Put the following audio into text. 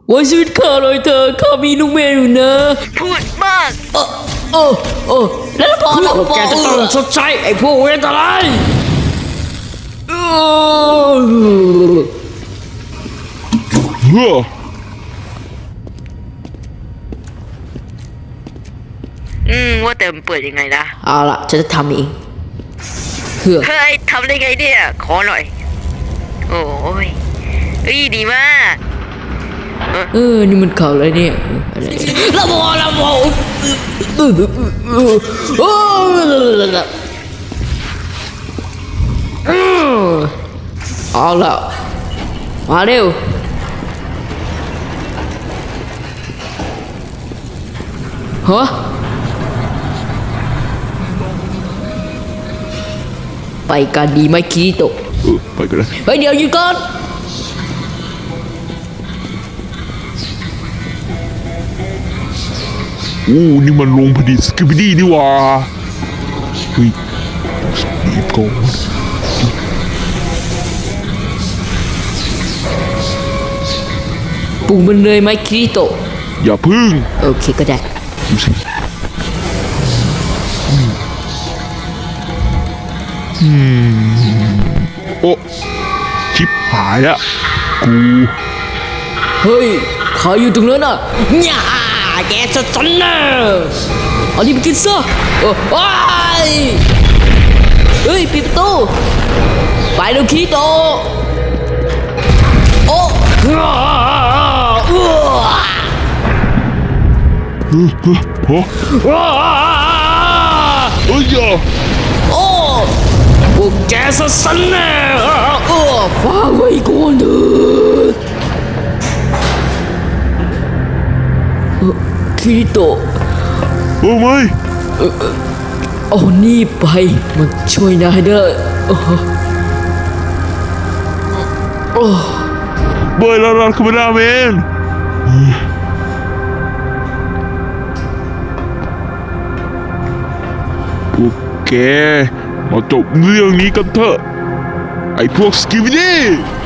ไว้ชีวิตข้าเลยเธอข้ามีลูกแม่อยู่นะพูดมากแล้วพอแล้วแกจะต้องชดใช้ไอ้พวกเวทอะไรว่าแต่มันเปิดยังไงนะเอาล่ะฉันจะทำเองเฮ้ยทำได้ไงเนี่ยขอหน่อยโอ้ยดีมากนี่มันข่าวอะไรเนี่ยอะไรละบอเอาล่ะมาเร็วฮะไปกันดีไหมคิริโตะไปกันเลยเฮ้ยเดี๋ยวหยุดก่อนนี่มันลงพอดีสกิปปี้นี่ว่าเฮ้ยรีบก่อนปลุกมันเลยไหมคิริโตะอย่าพึ่งโอเคก็ได้ดูสิโอ้ชิบหายอะกูเฮ้ยใครอยู่ตรงนั้นอ่ะเนี่ยแกจะจันเนอร์เอาดิไปกินซะเฮ้ยปิดประตูไปเร็วคิริโตะโอ้เฮ้ยโอ้พวกแกจะจันเนอร์ฟังไว้ก่อนเถอะคิริโตะโอ้ไม่เอานี่ไปมาช่วยนายเด้เบย์ลาลาคาเมราแมนพวกแกมาจบเรื่องนี้กันเถอะไอ้พวกสกิปปี้